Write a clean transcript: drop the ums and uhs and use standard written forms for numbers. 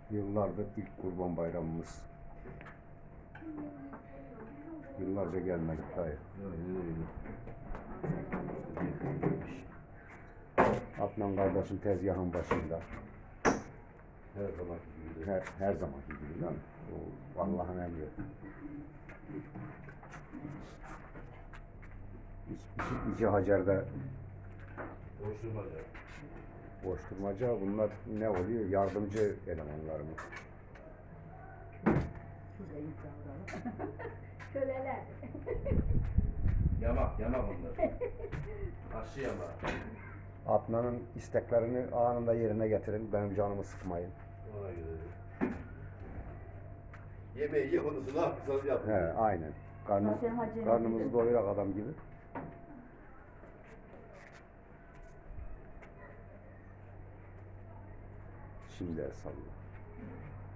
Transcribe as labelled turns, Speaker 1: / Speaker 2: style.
Speaker 1: Yıllardır ilk Kurban Bayramımız. Yıllarca gelmedik dayı. Adnan kardeşin tezgahın başında.
Speaker 2: Her zamanki gibi.
Speaker 1: Her zamanki gibi değil mi? O Allah'ın emri. İki Hacer'de
Speaker 2: Koşturmaca.
Speaker 1: koşturmaca, bunlar ne oluyor? Yardımcı elemanlarımız.
Speaker 3: Şurada insanlar. Köleler.
Speaker 2: Yamak onlar. Aşı yamak.
Speaker 1: Adnan'ın isteklerini anında yerine getirin. Benim canımı sıkmayın.
Speaker 2: Ona göre. Yemeği ye, onu ne yapsanız yapın.
Speaker 1: He, aynen.
Speaker 3: Zaten Hacer'in
Speaker 1: Karnımızı
Speaker 3: gibi.
Speaker 1: doyurak adam gibi. Şimdi el salla.